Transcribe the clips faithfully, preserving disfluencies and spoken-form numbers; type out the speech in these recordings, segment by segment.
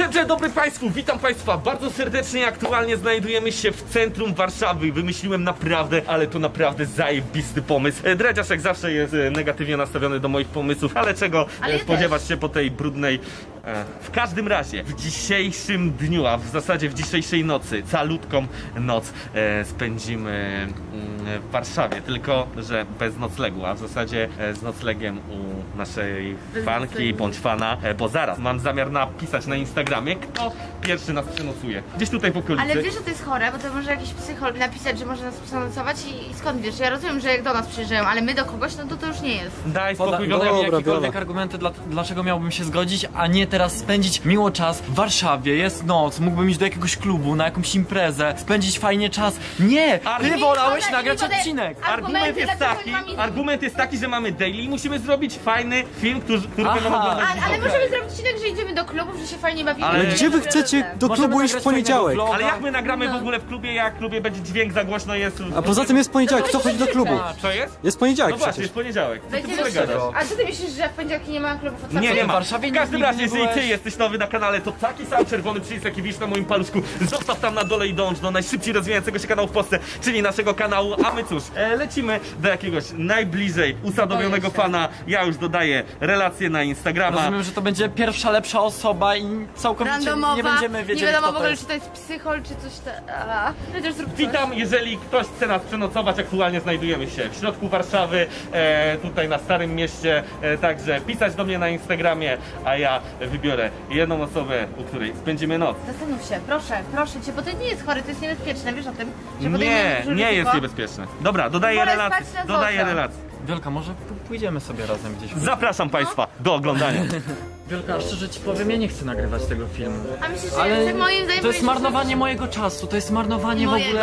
Dzień dobry Państwu, witam Państwa bardzo serdecznie. Aktualnie znajdujemy się w centrum Warszawy. Wymyśliłem naprawdę, ale to naprawdę zajebisty pomysł. E, Dredziarz jak zawsze jest e, negatywnie nastawiony do moich pomysłów, ale czego Ale e, ja spodziewać się po tej brudnej... E, w każdym razie, w dzisiejszym dniu, a w zasadzie w dzisiejszej nocy, calutką noc e, spędzimy mm, w Warszawie, tylko że bez noclegu, a w zasadzie e, z noclegiem u naszej Bez fanki noclegu. bądź fana, e, bo zaraz mam zamiar napisać na Instagramie, kto pierwszy nas przenocuje. Gdzieś tutaj w okolicy. Ale wiesz, że to jest chore, bo to może jakiś psycholog napisać, że może nas przenocować i, i skąd wiesz? Ja rozumiem, że jak do nas przyjeżdżają, ale my do kogoś, no to to już nie jest. Daj Poda, spokój, podaj mi Wiola. Dobra, jakiekolwiek Wiola. argumenty, dla, dlaczego miałbym się zgodzić, a nie teraz spędzić miło czas w Warszawie, jest noc, mógłbym iść do jakiegoś klubu, na jakąś imprezę, spędzić fajnie czas. Nie! Ale Ty mi wolałeś podaj- nagrać mi podaj- odcinek! Argument Argumenty, jest dlaczego taki, mamy- argument jest taki, że mamy daily i musimy zrobić fajny film, który, który Aha. będą oglądać Ale, ale widzowie. możemy zrobić odcinek, że idziemy do klubów, że się fajnie bawimy. Ale Ale że gdzie wy robimy chcecie razem. do Możemy klubu iść w nagrać poniedziałek? fajnego vloga. Ale jak my nagramy w No. ogóle w klubie, jak w klubie będzie dźwięk, za głośno jest... A poza tym jest poniedziałek, kto chodzi do klubu? Co jest? Jest No poniedziałek właśnie, przecież. jest poniedziałek. Co ty Będziemy w ogóle gadasz? A co ty myślisz, że w poniedziałki nie ma klubów od Nie, nie ma. W Warszawie W każdym nigdy razie, nie jeżeli ty byłeś. jesteś nowy na kanale, to taki sam czerwony przycisk, jaki widzisz na moim paluszku, zostaw tam na dole i dąż do najszybciej rozwijającego się kanału w Polsce, czyli naszego kanału, a my cóż, e, lecimy do jakiegoś najbliżej usadowionego Boję się. fana. Ja już dodaję relacje na Instagrama. Rozumiem, że to będzie pierwsza lepsza osoba i całkowicie Randomowa, nie będziemy wiedzieli, nie wiadomo kto w to ogóle, jest. czy to jest psychol, czy coś tam. Chociaż zrób coś. Witam, jeżeli ktoś chce nas przenocować, aktualnie znajdujemy się w środku Warszawy, e, tutaj na Starym Mieście, e, także pisać do mnie na Instagramie, a ja wybiorę jedną osobę, u której spędzimy noc. Zastanów się, proszę, proszę cię, bo to nie jest chory, to jest niebezpieczne, wiesz o tym? Że podejmujemy Nie, duże nie jest ryzyko. niebezpieczne. Dobra, dodaję Wolę relacje, spać na dodaję złota. relacje. Wielka, może p- pójdziemy sobie razem gdzieś. Zapraszam Państwa do oglądania. Wielka, szczerze ci powiem, ja nie chcę nagrywać tego filmu. A myślisz, że Ale jak moim zdaniem to jest powinieneś marnowanie zrobić- mojego czasu, to jest marnowanie w Mojego? ogóle...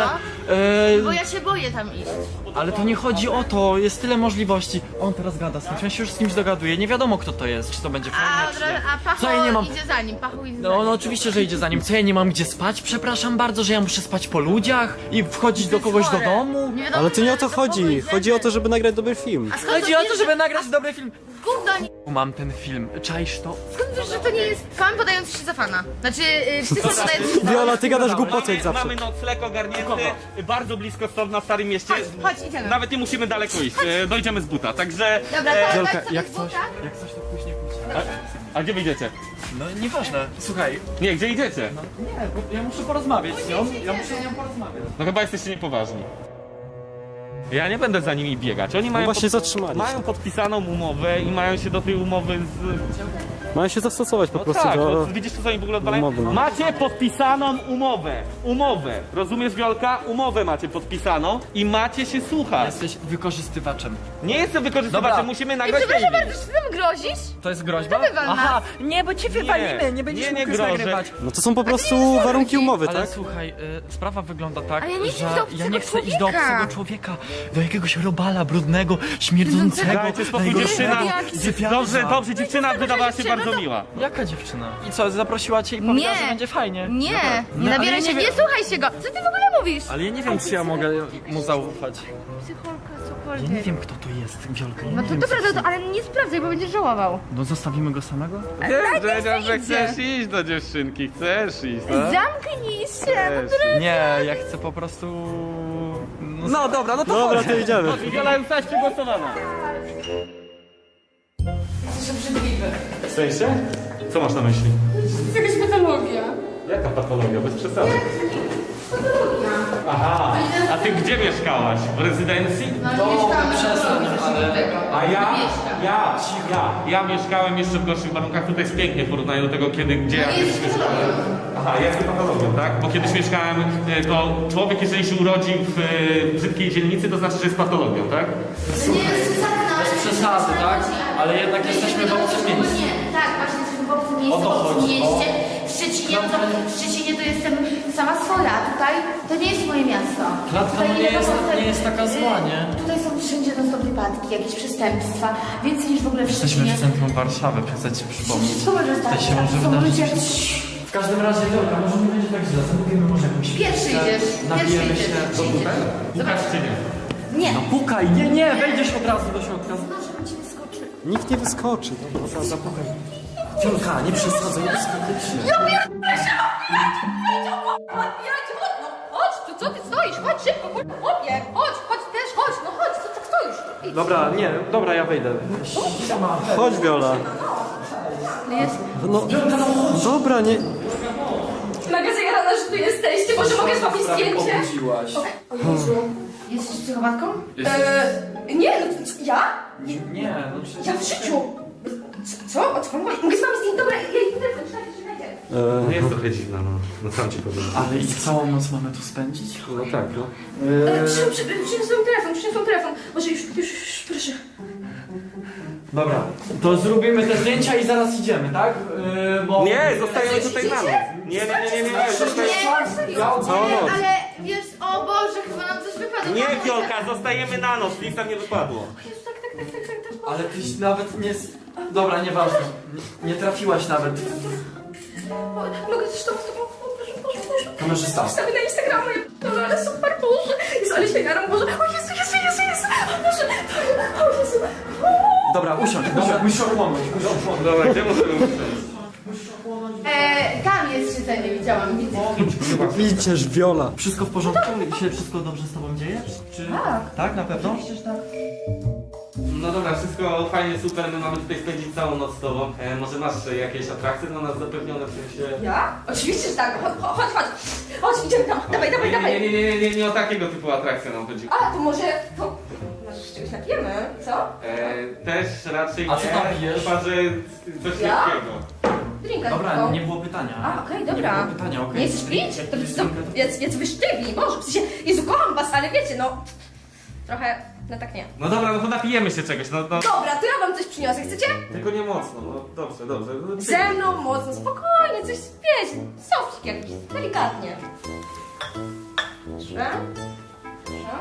Bo E, ja się boję tam iść. ale to nie chodzi o to, jest tyle możliwości. On teraz gada z kimś, on się już z kimś dogaduje, nie wiadomo kto to jest, czy to będzie A, fajne, od czy razu- nie. a Pacho Co ja nie mam... idzie za nim, Pachu idzie za No, nim. no oczywiście, że idzie za nim. Co ja nie mam gdzie spać? Przepraszam bardzo, że ja muszę spać po ludziach i wchodzić do jest kogoś do chore. domu. Nie wiadomo, Ale to nie o to do chodzi. kogo Chodzi o to, idziemy. żeby nagrać dobry film. A skąd Chodzi to o wiesz, to, żeby że- nagrać dobry film. Gówno, nie- Mam ten film, czaisz to? skąd wiesz, że to nie jest fan podający się za fana? Znaczy, yy, psychol podający się za Wiola, ty gadasz głupoty jak Mamy, zawsze. mamy nocleg ogarnięty, bardzo blisko stąd na Starym Mieście. Chodź, chodź, idziemy. Nawet nie musimy daleko iść, e, dojdziemy z buta, także... Dobra, e, to Wielka, dać sobie jak z coś, buta? jak coś to później pójdź. a, a gdzie wyjdziecie? No nieważne, słuchaj, Nie, gdzie idziecie? no nie, bo ja muszę porozmawiać z nią, ja muszę z nią porozmawiać. No chyba jesteście niepoważni. Ja nie będę za nimi biegać. Oni No mają, właśnie zatrzymali mają się. podpisaną umowę i mają się do tej umowy z... Mają się zastosować po No prostu tak, do... no, widzisz co oni w ogóle odwalają? umowy, no. Macie podpisaną umowę. Umowę. Rozumiesz, Wiolka? Umowę macie podpisaną i macie się słuchać. Jesteś wykorzystywaczem. Nie jestem wykorzystywaczem, Dobra. musimy I nagrać przepraszam daily. bardzo, czy ty nam grozisz? To jest groźba? To wywal nas. Aha, nie, bo cię wywalimy, nie będziesz nie, nie mógł już grożę. nagrywać. No to są po prostu warunki umowy, Ale tak? słuchaj, y, sprawa wygląda tak, Ale ja nie chcę że do obcego ja nie chcę iść do człowieka. obcego człowieka, do jakiegoś robala brudnego, śmierdzącego. Dajcie spokój, najgorszego dziewczyna. jaki sypialnia. Dobrze, dobrze, dziewczyna wydawała się dziewczyna, bardzo to- miła. Jaka dziewczyna? I co, zaprosiła cię i powiedziała, Nie. że będzie fajnie? Nie, No, nie ale nabieraj ja się, nie nie wiem- słuchaj się go. Co ty w ogóle mówisz? Ale ja nie wiem, czy ja mogę mu zaufać. Psycholka, Ja cokolwiek. nie wiem, kto to jest, Wiolka, ja No nie to wiem, dobra, co to, to, ale nie sprawdzaj, bo będziesz żałował. No zostawimy go samego? Wiesz, Dredziarz, że idzie. chcesz iść do dziewczynki, chcesz iść, no? Zamknij się, no Chcesz. Nie, ja chcę po prostu... No, No dobra, no to Dobra, chodź. to idziemy. Chodź, Wiola już zostałaś przegłosowana. Jesteś obrzydliwy. W sensie? Co masz na myśli? To jest jakaś patologia. Jaka patologia? Bez przesady. Aha, a ty gdzie mieszkałaś? W rezydencji? No nie mieszkamy przestań, ale- A ja? Ja, ja, ja mieszkałem jeszcze w gorszych warunkach. Tutaj jest pięknie w porównaniu do tego, kiedy, gdzie ja No nie kiedyś jest mieszkałem. Aha, jest patologią, tak? Bo kiedyś mieszkałem, e, to człowiek, jeżeli się urodzi w e, brzydkiej dzielnicy, to znaczy, że jest patologią, tak? To nie jest przesada, Bez przesady, tak? Ale jednak jesteśmy w obcym miejscu. Nie, tak, właśnie jesteśmy w obcym O miejscu, to w obcym chodzi, mieście. W Szczecinie, no to, w Szczecinie to jestem sama swoja, a tutaj to nie jest moje miasto. Klatka Tutaj no nie jest- wiadomo, nie jest taka zła, nie? y, Tutaj są wszędzie non stop wypadki, jakieś przestępstwa, więcej niż w ogóle w Jesteśmy Szczecinie. w centrum Warszawy, chcę ci przypomnieć. Co może stać? Tutaj się może Są wydarzyć. ludzie... W każdym razie, dobra, może nie będzie tak źle, zamówimy może jakąś Pierwszy pizzę, idziesz, nabijemy pierwszy się idziesz. do tutaj. Pukasz czy nie? Nie, No pukaj, nie, nie, wejdziesz od razu do środka. proszę, bym ci wyskoczy. Nikt nie wyskoczy. Zapukaj. Wiolka, nie przesadzaj, nie wyskakujcie. Ja pierdolę! Otwierajcie, chodź, no chodź, to co ty stoisz? Chodź szybko, chodź, chłopie, chodź, chodź też, chodź, no chodź, co tak stoisz? Idź. Dobra, nie, dobra, ja wejdę. Chodź, Wiola. Jest. No, dobra, nie... Mega zajarana, że tu jesteście, może mogę zrobić zdjęcie? Obudziłaś. O Jezu. Jesteś psychopatką? Eee, nie, no co, ja? Nie, Nie, no przecież... ja w życiu. Co? Co? O co pan mówi? Mogę z wami zdjęć? Dobra, ja idę telefon, czekajcie, czekajcie. E, Jest trochę dziwna, no. No co mam ci powiedzieć? Ale i całą noc mamy tu spędzić? No tak, no. Eee, przy, przy, przyniosłem telefon, przyniosłem telefon. Może już, już, już, proszę. Dobra, to zrobimy te zdjęcia i zaraz idziemy, tak? Yy, bo... Nie, zostajemy tutaj na noc. Nie, nie, nie, nie, nie, nie. Zostaj... Całą noc. Ale wiesz, o Boże, chyba nam coś wypadło. Nie, Wiolka, zostajemy na noc. Nic nam nie wypadło. Jezu, tak, tak, tak, tak, tak, tak. Ale tyś nawet nie... s- Dobra, nieważne. Nie, nie trafiłaś nawet. O, mogę też z tobą, z tobą, o, proszę, proszę, proszę. Kamerzysta. Wstawię na Instagrama, ja Boże, ale super, Boże. Jezu, ale się jaram, Boże. O Jezu, Jezu, Jezu, Jezu. O Boże, o Jezu. Dobra, usiądź, usiądź, musisz ochłonąć, musisz ochłonąć. Dobra, gdzie możemy usiąść? E, tam jest siedzenie, widziałam. Widzę. Widzisz, Wiola. Wszystko w porządku? Się wszystko dobrze z tobą dzieje? Czy... Tak. Tak, na pewno? Przecież tak. No dobra, wszystko fajnie, super, my mamy tutaj spędzić całą noc z tobą. E, może masz e, jakieś atrakcje dla nas zapewnione w sensie... Ja? Oczywiście, że tak. Chodź, chodź, chodź. Chodź, idziemy tam. Dawaj, dawaj, nie, nie, dawaj. nie, nie, nie, nie, nie o takiego typu atrakcje nam chodzi. A, to może, to... Może się czegoś napijemy, co? E, też raczej A co nie, tam pijesz? chyba że coś Ja? lekkiego. Drinka Dobra, tylko. nie było pytania. A, okej, Nie dobra. było pytania, okej. Nie chcesz pić? To Jakieś co, drinka, to- jest, jest wysztywni, Boże, w sensie, Jezu, kocham was, ale wiecie, no... Trochę, no tak nie. No dobra, no to napijemy się czegoś, no, no. Dobra, to ja wam coś przyniosę, chcecie? Tylko nie mocno, no dobrze, dobrze. No, Ze mną mocno, spokojnie, coś, wiecie, sofcik jakiś, delikatnie. Proszę. Proszę.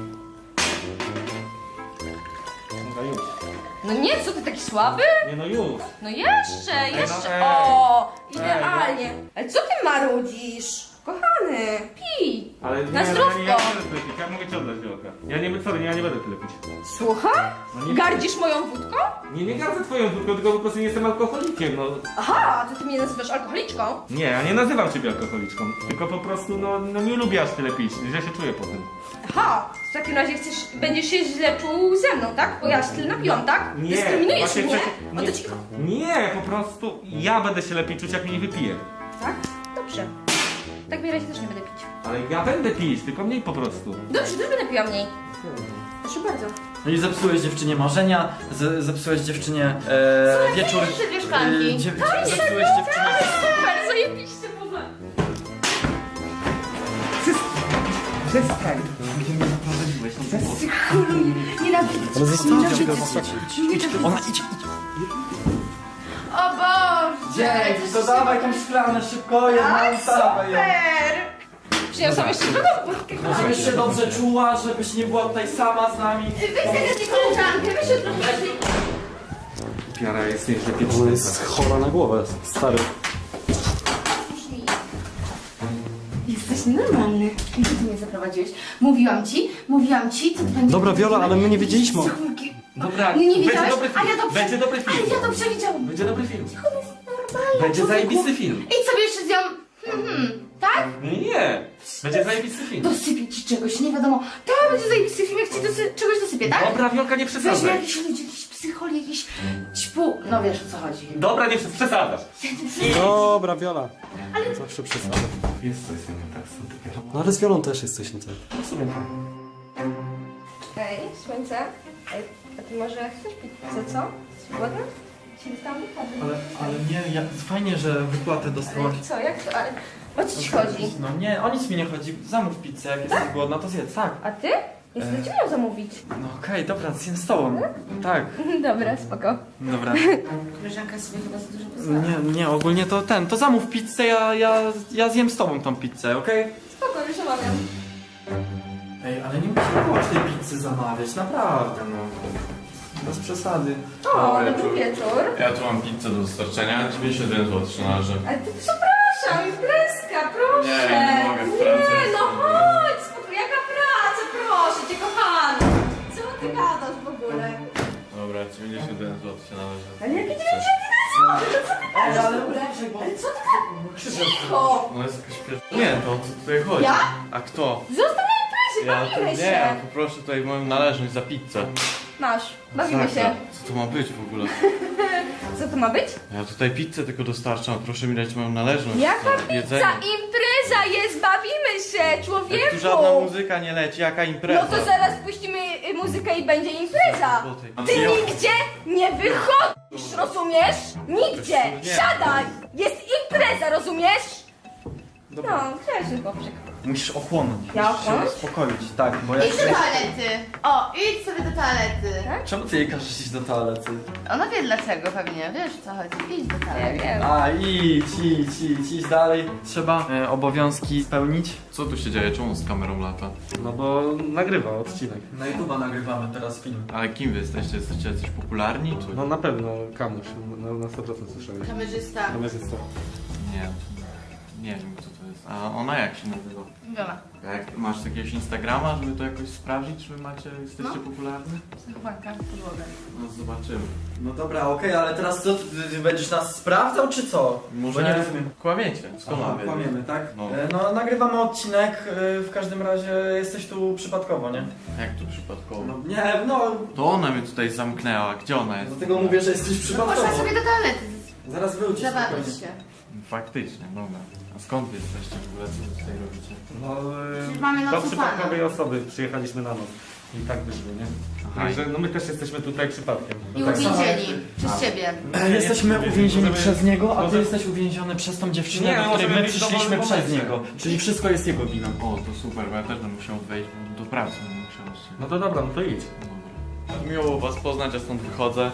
No już. No nie, co ty taki słaby? Nie no już. No jeszcze, no jeszcze, ej. o, Ej, idealnie. Ale co ty marudzisz? Kochany, pij. Ale nie, Na no, zdrówko. ja nie, ja nie będę tyle pić, ja mogę ci oddać wielka. Ja nie, sorry, ja nie będę tyle pić. Słucham? No nie- Gardzisz moją wódką? Nie, nie gardzę twoją wódką, tylko po prostu nie jestem alkoholikiem, no. Aha, to ty mnie nazywasz alkoholiczką? Nie, ja nie nazywam ciebie alkoholiczką, tylko po prostu, no, no nie lubię aż tyle pić, źle się czuję po tym. Aha, w takim razie chcesz, będziesz się źle czuł ze mną, tak? Bo ja się tyle napiłam, tak? Nie, Dyskryminujesz właśnie mnie? chcę- No nie. to cicho. Nie, po prostu ja będę się lepiej czuć, jak mnie nie wypiję. Tak? Dobrze. W takim razie też nie będę pić. Ale ja będę pić, tylko mniej po prostu. Dobrze, też będę piła mniej. Proszę bardzo. No i zepsułeś dziewczynie marzenia, z, zepsułeś dziewczynie e, wieczór... jeszcze dwie szklanki. e, dziew, zepsułeś dziewczynie... Super, zajebiście, Boże. Przestań. Gdzie mnie zaprowadziłeś? No to było. Nienawidzę. Ale zostawcie go. Ona idź, idź. O Boże. Dzień, to dawaj tą szklanę szybko, jedną ustawę. Super. Przyniosłam jeszcze drugą. Żebyś się dobrze czuła, żebyś nie była tutaj sama z nami. Weź sobie tę koleżankę, weź ją trochę bardziej. Piara jest nieźle Ona pieczona. jest chora na głowę, stary. Jesteś nienormalny. Gdzie ty mnie zaprowadziłeś? Mówiłam ci, mówiłam ci, co ty będzie. Dobra, Wiola, ale my nie wiedzieliśmy. Dobra, Nie, nie będzie wiedziałeś? dobry film. A ja to prze- Będzie dobry film. Ale ja to przewidziałam. Będzie dobry film. On jest normalny. Będzie człowieku. zajebisty film. Idź sobie jeszcze z nią. Hmm, hmm. Tak? Nie, będzie zajebisty film. Dosypię ci czegoś, nie wiadomo. To będzie zajebisty film, jak ci dosy- czegoś dosypię, tak? Dobra, Wiolka, nie Weźmy przesadzaj. jakiś ludzi, jakiś psychol, jakiś ćpu. No wiesz o co chodzi. Dobra, nie przesadzasz. Dobra, Wiola. Zawsze przesadza. Jest coś z tym tak, są takie No ale z Wiolą też jest coś nie tak. w sumie tak. Ej, słońce. Ej, a ty może chcesz pizzę, co? Głodna? Ci dostałam wypady. Ale, ale nie, ja, fajnie, że wypłatę dostałaś. Ale co, jak to? Ale o co ci chodzi? No nie, o nic mi nie chodzi. Zamów pizzę, jak jesteś głodna, to zjedz, tak. A ty? Ja chcę cię miał zamówić. No okej, dobra, zjem z tobą. Tak, Dobra, spoko. dobra. Koleżanka sobie chyba za dużo pozwala. Nie, nie, ogólnie to ten, to zamów pizzę, ja, ja, ja zjem z tobą tą pizzę, okej? Spoko, już omawiam. Ej, ale nie musimy było tej pizzy zamawiać, naprawdę, no. Bez przesady. O, dobry wieczór. Ja tu mam pizzę do dostarczenia, dziewięćdziesiąt jeden złotych się należy. Ale ty przepraszam, imprezka, proszę. Nie, nie mogę, w pracy Nie, no jestem. chodź, spoko, jaka praca, proszę cię, kochany. Co ty gadasz w ogóle? Dobra, dziewięćdziesiąt jeden złotych się należy. Ale jakie dziewięćdziesiąt jeden złotych, to co ty gadasz w ogóle? bo Ale Co ty tak? Cicho! No jest jakaś pier... Nie, to o co tutaj chodzi? Ja? A kto? Zostaw na imprezie, Ja to bawimy nie, się! ja poproszę tutaj moją należność za pizzę. Masz, bawimy Sakra. się. Co to ma być w ogóle? Co to ma być? Ja tutaj pizzę tylko dostarczam, proszę mi dać moją należność. Jaka za pizza? jedzenie. Impreza jest, bawimy się, człowieku! Jak tu żadna muzyka nie leci, jaka impreza? No to zaraz puścimy y, muzykę i będzie impreza! Złotej. Ty nigdzie nie wychodzisz, rozumiesz? Nigdzie! Nie. Siadaj! Jest impreza, rozumiesz? No, chciałeś tylko przykład. Musisz ochłonąć. Ja musisz się ochłonąć? uspokoić, tak, bo jak... Idź do toalety. O, idź sobie do toalety. Czemu ty jej każesz iść do toalety? Ona wie dlaczego pewnie, wiesz o co chodzi. Idź do Ja toalety. wiem. A, idź, idź, idź, idź dalej. Trzeba e, obowiązki spełnić. Co tu się dzieje? Czemu z kamerą lata? No bo nagrywa odcinek. Na YouTube'a nagrywamy teraz film. Ale kim wy jesteście? Jesteście jacyś popularni? Czy... No na pewno Kamuś, na, na sto procent słyszałeś. Kamerzysta. Kamerzysta. Nie, nie wiem kto to jest. A ona jak się nazywa? Wiola. Jak masz jakiegoś Instagrama, żeby to jakoś sprawdzić, czy wy macie, jesteście No. popularni? Psychopanka, podłogę. No zobaczymy. No dobra, okej, ale teraz co, ty, ty będziesz nas sprawdzał, czy co? Może Bo nie rozumiem. kłamiecie. Skąd mam wiedzieć? Kłamiemy, tak? No. E, no nagrywamy odcinek, e, w każdym razie jesteś tu przypadkowo, nie? Jak to przypadkowo? No nie, no, To ona mnie tutaj zamknęła. Gdzie ona jest? dlatego mówię, że jesteś No przypadkowo. poszła sobie do toalety. Zaraz wrócisz. Zabawić spokojnie. się. Faktycznie, dobra. A skąd wy jesteście w ogóle? Co wy tutaj robicie? No Przecież mamy do nocą przypadkowej osoby przyjechaliśmy na noc. I tak wyszło, nie? Aha. Także no my też jesteśmy tutaj przypadkiem. I tak samo jak uwięzieni. ty. Przez ciebie. E, Jesteśmy uwięzieni Możemy- przez niego, a ty może- jesteś uwięziony przez tą dziewczynę, Nie, do której możemy my być w przyszliśmy dowolnym przez momencie. niego. Czyli wszystko jest jego winą. O, to super, bo ja też będę musiał odwejść, bo do pracy będę musiał się. No to dobra, no to idź. Dobra. Miło was poznać, ja stąd wychodzę.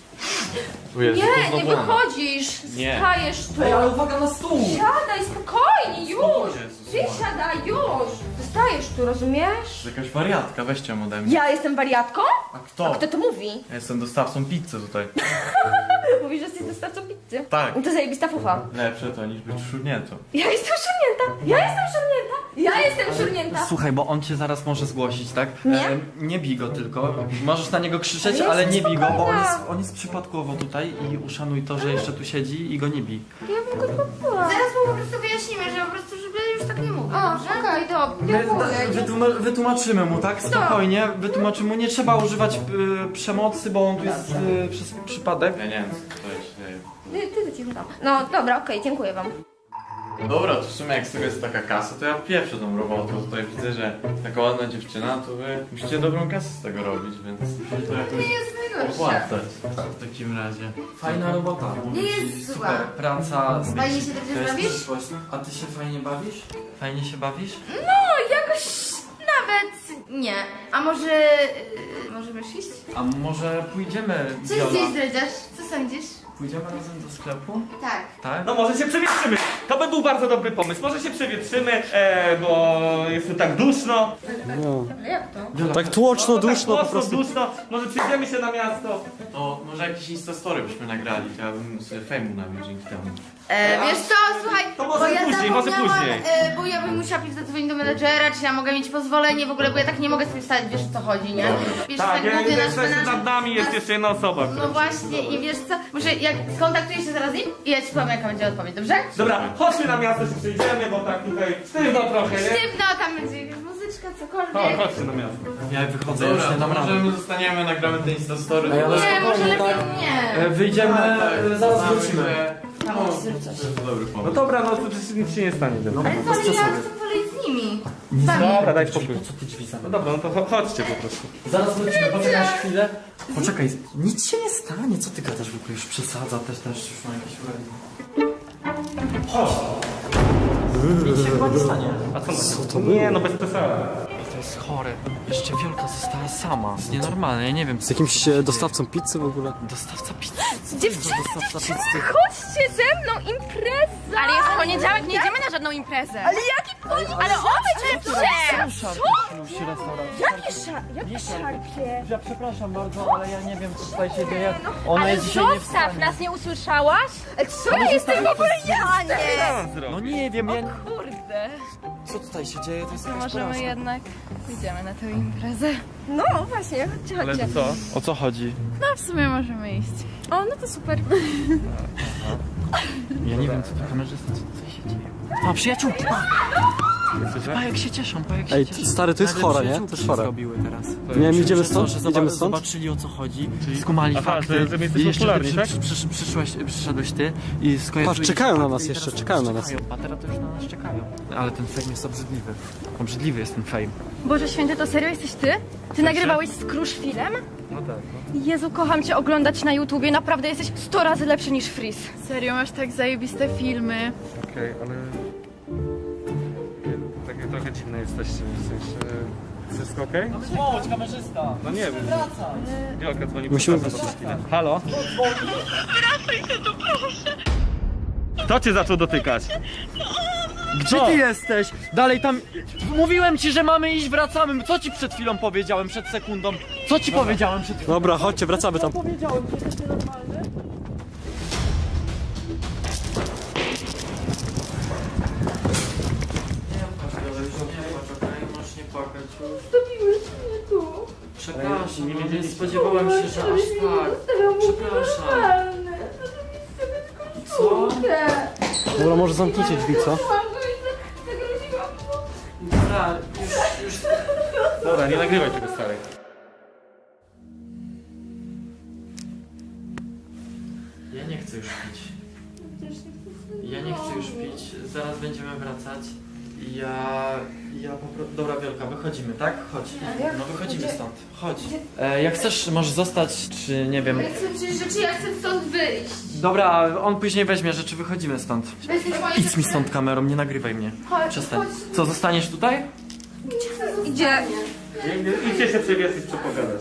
Tu jest, to Nie, nie znowu ona. wychodzisz! Nie. Stajesz tu! Ej, ale uwaga na stół! Siadaj, spokojnie, już! Jezus, Ty siadaj, już! Zostajesz tu, rozumiesz? To jest jakaś wariatka, weźcie ją ode mnie. Ja jestem wariatką? A kto? A kto to mówi? Ja jestem dostawcą pizzy tutaj. Mówi, że jesteś dostawcą pizzy. Tak. No to zajebista fufa. Lepsze to niż być szurniętą. Ja jestem szurnięta! Ja jestem szurnięta! Ja jestem szurnięta! Słuchaj, bo on cię zaraz może zgłosić, tak? Nie? E, nie bij go tylko. Możesz na niego krzyczeć, Ale ale jestem nie bij go, bo on spokojna. jest, on jest przypadkowo tutaj i uszanuj to, że jeszcze tu siedzi i go nie bij. Ja bym go pobyła. Zaraz mu po prostu wyjaśnimy, że po prostu, żeby już tak nie mówił. O, dobrze? okej, dobra. My, da, wytłuma wytłumaczymy mu, tak? Spokojnie, wytłumaczymy mu. Nie trzeba używać y, przemocy, bo on tu jest y, przez przypadek. Ja nie wiem, co tutaj się dzieje. Ty, ty za cicho tam. No dobra, okej, dziękuję wam. Dobra, to w sumie jak z tego jest taka kasa, to ja pierwszy tą robotę. Tutaj widzę, że taka ładna dziewczyna, to wy musicie dobrą kasę z tego robić, więc musicie to Nie jakoś jest najgorsze. opłacać w takim razie. Fajna robota. Nie jest zła. Super praca. Fajnie się dobrze To jest bawisz? przyszłość. A ty się fajnie bawisz? Fajnie się bawisz? No, jakoś nawet nie. A może... Yy, możemy już iść? A może pójdziemy, Co Viola? gdzieś zdradzasz? Co sądzisz? Pójdziemy razem do sklepu? Tak. Tak? No może się przewietrzymy. To by był bardzo dobry pomysł. Może się przewietrzymy, e, bo jest tu tak duszno. No. Ale jak to? Viola, Tak tłoczno, No, duszno tak po prostu. duszno. Może przyjdziemy się na miasto. To może jakieś instastory byśmy nagrali, to ja bym sobie fejmu nabił dzięki temu. E, wiesz co, słuchaj, To może bo ja później, może zapomniałam, później. e, bo ja bym musiała pisać zadzwonić do menedżera, czy ja mogę mieć pozwolenie w ogóle, bo ja tak nie mogę sobie wstać, wiesz o co chodzi, nie? Wiesz, Tak, ja, mówię, jeszcze nasz nad nami jest nasz- jeszcze jedna osoba. No która- właśnie i wiesz co, może jak skontaktuję się zaraz z nim i ja ci powiem jaka będzie odpowiedź, dobrze? Dobra, chodźmy na miasto, się przejdziemy, bo tak tutaj sztywno trochę, nie? Sztywno, tam będzie jakaś muzyczka, Chodź, cokolwiek. chodźcie na miasto. Ja wychodzę, już Dobra, nie to dam rady. może my zostaniemy, nagramy te instastory. Ej, ale Nie, może spokojnie, lepiej tak? nie. E, Wyjdziemy, Tak, tak, e, zaraz znamy wrócimy. się. Tam No, może zrób to coś. jest dobry No pomysł. dobra, no to przecież nic się nie stanie. Dobra, Ale bez co, ja przesady. chcę poleć z nimi. Nie Sami. dobra daj spokój. Po co ty drzwi No zamykasz? dobra, no to cho- chodźcie po prostu. Zaraz wrócimy, poczekasz chwilę. Poczekaj, nic się nie stanie, co ty gadasz w ogóle? Już przesadza, też też już ma jakieś uwagi. Chodź! Nic się chyba nie stanie. A co, Co na to Nie, było? no bez przesady. To jest chore. Jeszcze Wiolka została sama. To jest nienormalne, ja nie wiem. Z jakimś e, dostawcą pizzy w ogóle? Dostawca pizzy. Dziewczyny, Dostawca pizzy. chodźcie ze mną, impreza! Ale jest poniedziałek, nie idziemy na żadną imprezę. Ale jaki poniedziałek? Ale obejdźmy się! Szarpie restauracja. Jakie szar... Jakie szarpie? Ja przepraszam bardzo, ale ja nie wiem co tutaj się dzieje. Ona Ale jest dzisiaj nie w zostaw, stanie. nas nie usłyszałaś? Co ja jestem w ogóle ja? Nie! No nie wiem, ja... Kurde. co tutaj się dzieje, to jest To jakaś możemy porażka. jednak idziemy na tę imprezę. No właśnie, chodźcie, Ale chodźcie. to co? O co chodzi? No w sumie możemy iść. O, no to super. Ja nie wiem, co to kamerzysta, co tutaj się dzieje. A, przyjaciół! Pa, jak się cieszą, pa, jak się Ej, cieszą. stary, to jest Nagle chore, nie? przyjaciółki To jest się chore. zrobiły teraz. Nie wiem, idziemy Że co, stąd? że Idziemy zoba- stąd? Zobaczyli, o co chodzi, skumali Aha, fakty. że- że my jesteśmy I jeszcze popularni, ty tak? przy, przy, przyszłeś, przyszedłeś ty i skojarzyłeś Patrz, czekają na fakty nas i jeszcze, teraz czekają na nas. czekają. A teraz to już na nas czekają. Ale ten fame jest obrzydliwy. Obrzydliwy jest ten fame. Boże święty, to serio jesteś ty? Ty nagrywałeś z Kruszwilem? No tak, Jezu, kocham cię oglądać na YouTubie, naprawdę jesteś sto razy lepszy niż Freeze. Serio, masz tak zajebiste filmy. okej, ale... Takie trochę dziwne jesteście, w sensie... Wszystko okej? Chodź, kamerzysta! No nie wiem. Wielka dzwoni. Musimy przepraszam, za chwilę. Halo? Wracaj tu, proszę. Kto cię zaczął dotykać? Gdzie ty jesteś? Dalej tam... Mówiłem ci, że mamy iść, wracamy. Co ci przed chwilą powiedziałem, przed sekundą? Co ci powiedziałem przed chwilą? Dobra, chodźcie, wracamy tam. Powiedziałem, że jesteś normalny. Możesz nie płakać. Zostawiłeś mnie tu. Przepraszam, nie, nie spodziewałem się, że aż tak. Przepraszam. Co? Dobra, może zamknijcie drzwi, co? Dobra, już, już... Dobra, nie nagrywaj tego starej. Ja nie chcę już pić. Ja nie chcę już pić. Zaraz będziemy wracać. Ja... Ja po prostu... Dobra, Wielka, wychodzimy, tak? Chodź. No wychodzimy stąd. Chodź. E, jak chcesz, możesz zostać, czy nie wiem... Ja chcę przecież rzeczy, ja chcę stąd wyjść. Dobra, on później weźmie rzeczy, wychodzimy stąd. Weźmiesz moje Idź mi stąd kamerą, nie nagrywaj mnie. Chodź, Przestań. chodź. Co, zostaniesz tutaj? Idzie. Idźcie się przewiesić, co pogadać.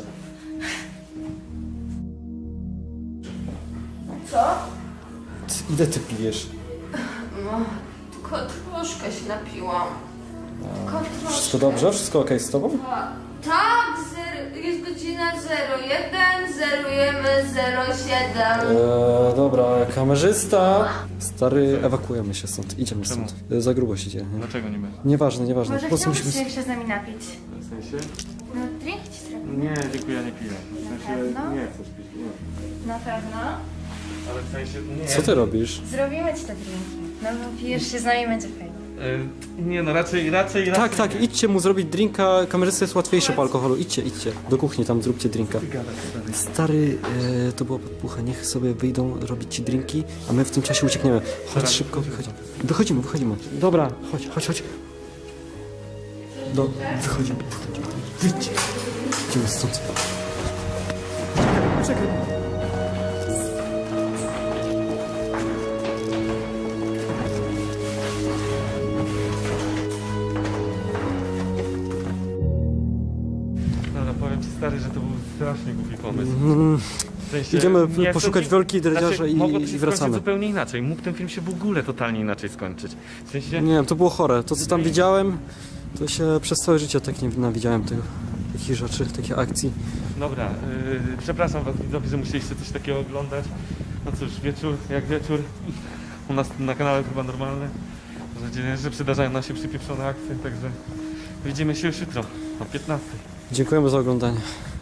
Ile ty pijesz? Tylko troszkę się napiłam. Tylko troszkę. Wszystko dobrze? Wszystko okej z tobą? Tak, zer- jest godzina zero jeden, zerujemy zero siedem. Eee, dobra, kamerzysta. Stary, ewakuujemy się stąd, idziemy Czemu? stąd. E, Za grubo się dzieje. nie? Dlaczego nie my? Nieważne, nieważne. Może Po prostu chciałbyś musimy... się jeszcze z nami napić? W sensie? No drink ci zrobię. Nie, dziękuję, ja nie piję. W sensie, pewno? nie chcę pić, nie. Na pewno. Ale w sensie, nie. Co ty robisz? Zrobimy ci te drinki. No bo pijesz się z nami, będzie fajnie. Y, nie no, raczej, raczej, raczej... Tak, tak, idźcie mu zrobić drinka. Kamerzysta jest łatwiejszy po alkoholu. Idźcie, idźcie. Do kuchni, tam zróbcie drinka. Stary, e, to była podpucha. Niech sobie wyjdą robić ci drinki, a my w tym czasie uciekniemy. Chodź szybko, wychodzimy. Wychodzimy, wychodzimy. Dobra, chodź, chodź, chodź. Do, wychodzimy, wychodzimy. Wyjdźcie. Idziemy stąd. Czekaj. Dobra, powiem ci stary, że to był strasznie głupi pomysł. Mm, W sensie, Idziemy nie, poszukać to- wielkiej dredziarza znaczy, i, mogło to i się wracamy. skończyć zupełnie inaczej. Mógł ten film się w ogóle totalnie inaczej skończyć. W sensie... Nie wiem, to było chore. To co tam widziałem, to się przez całe życie tak nie nawidziałem tego. Takich rzeczy, takich akcji. Dobra, yy, przepraszam was widzowie, że musieliście coś takiego oglądać. No cóż, wieczór jak wieczór. U nas na kanale chyba normalne. Że, że przydarzają nam się przypieprzone akcje, także widzimy się już jutro o piętnastej. Dziękujemy za oglądanie.